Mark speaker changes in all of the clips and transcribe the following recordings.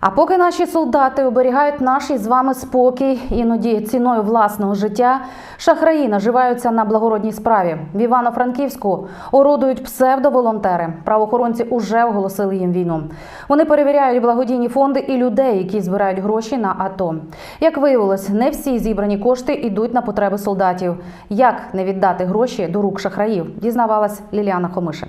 Speaker 1: А поки наші солдати оберігають наш із вами спокій, іноді ціною власного життя, шахраї наживаються на благородній справі. В Івано-Франківську орудують псевдоволонтери. Правоохоронці уже оголосили їм війну. Вони перевіряють благодійні фонди і людей, які збирають гроші на АТО. Як виявилось, не всі зібрані кошти йдуть на потреби солдатів. Як не віддати гроші до рук шахраїв, дізнавалась Ліліана Хомишин.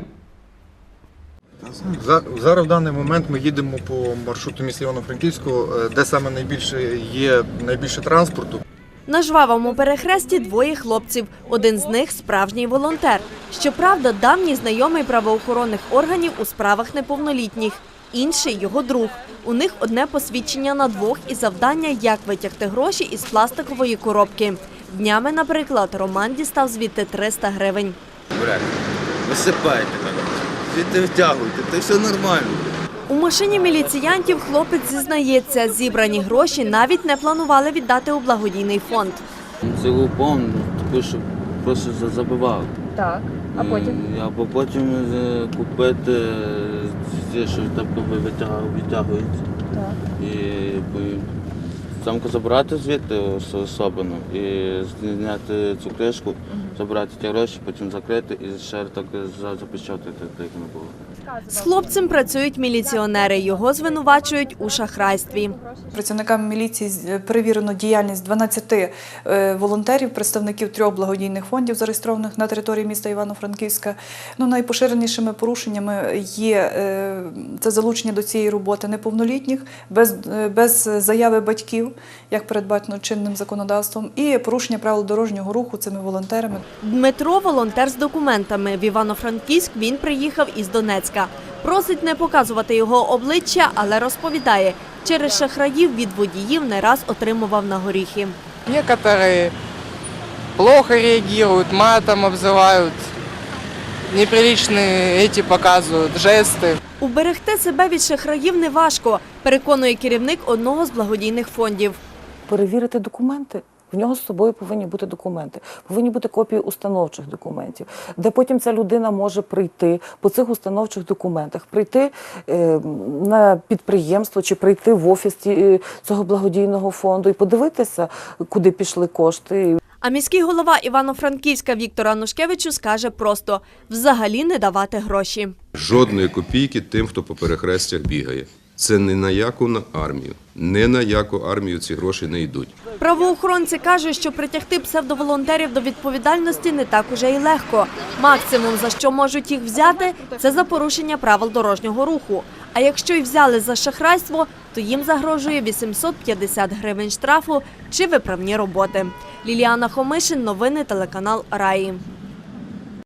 Speaker 2: Зараз в даний момент ми їдемо по маршруту міста Івано-Франківського, де саме найбільше транспорту.
Speaker 3: На жвавому перехресті двоє хлопців. Один з них – справжній волонтер. Щоправда, давній знайомий правоохоронних органів у справах неповнолітніх. Інший – його друг. У них одне посвідчення на двох і завдання – як витягти гроші із пластикової коробки. Днями, наприклад, Роман дістав звідти 300 гривень.
Speaker 4: Брат, висипайте, звідти втягуйте, це все нормально.
Speaker 3: У машині міліціянтів хлопець зізнається, зібрані гроші навіть не планували віддати у благодійний фонд.
Speaker 4: Це лупон, таку, що просто забивав.
Speaker 3: Так, а потім?
Speaker 4: Або потім купити, що там витягується. Так. І самку забрати звідти особливо і зняти цю кришку, забрати ті гроші, потім закрити і ще так запечатати, як не було.
Speaker 3: З хлопцем працюють міліціонери. Його звинувачують у шахрайстві.
Speaker 5: Працівниками міліції перевірено діяльність 12 волонтерів, представників 3 благодійних фондів, зареєстрованих на території міста Івано-Франківська. Найпоширенішими порушеннями є це залучення до цієї роботи неповнолітніх, без заяви батьків, як передбачено чинним законодавством, і порушення правил дорожнього руху цими волонтерами.
Speaker 3: Дмитро – волонтер з документами. В Івано-Франківськ він приїхав із Донецька. Просить не показувати його обличчя, але розповідає, через шахраїв від водіїв не раз отримував на горіхи.
Speaker 6: Некоторые плохо реагируют, матом обзывают, неприличные эти показывают, жесты.
Speaker 3: Уберегти себе від шахраїв неважко, переконує керівник одного з благодійних фондів.
Speaker 7: Перевірити документи. В нього з собою повинні бути документи, повинні бути копії установчих документів, де потім ця людина може прийти по цих установчих документах, прийти на підприємство чи прийти в офіс цього благодійного фонду і подивитися, куди пішли кошти.
Speaker 3: А міський голова Івано-Франківська Віктор Анушкевич скаже просто – взагалі не давати гроші.
Speaker 8: Жодної копійки тим, хто по перехрестях бігає. Це ні на яку армію. Ні на яку армію ці гроші не йдуть.
Speaker 3: Правоохоронці кажуть, що притягти псевдоволонтерів до відповідальності не так уже й легко. Максимум, за що можуть їх взяти – це за порушення правил дорожнього руху. А якщо й взяли за шахрайство, то їм загрожує 850 гривень штрафу чи виправні роботи. Ліліана Хомишин, новини телеканал Раї.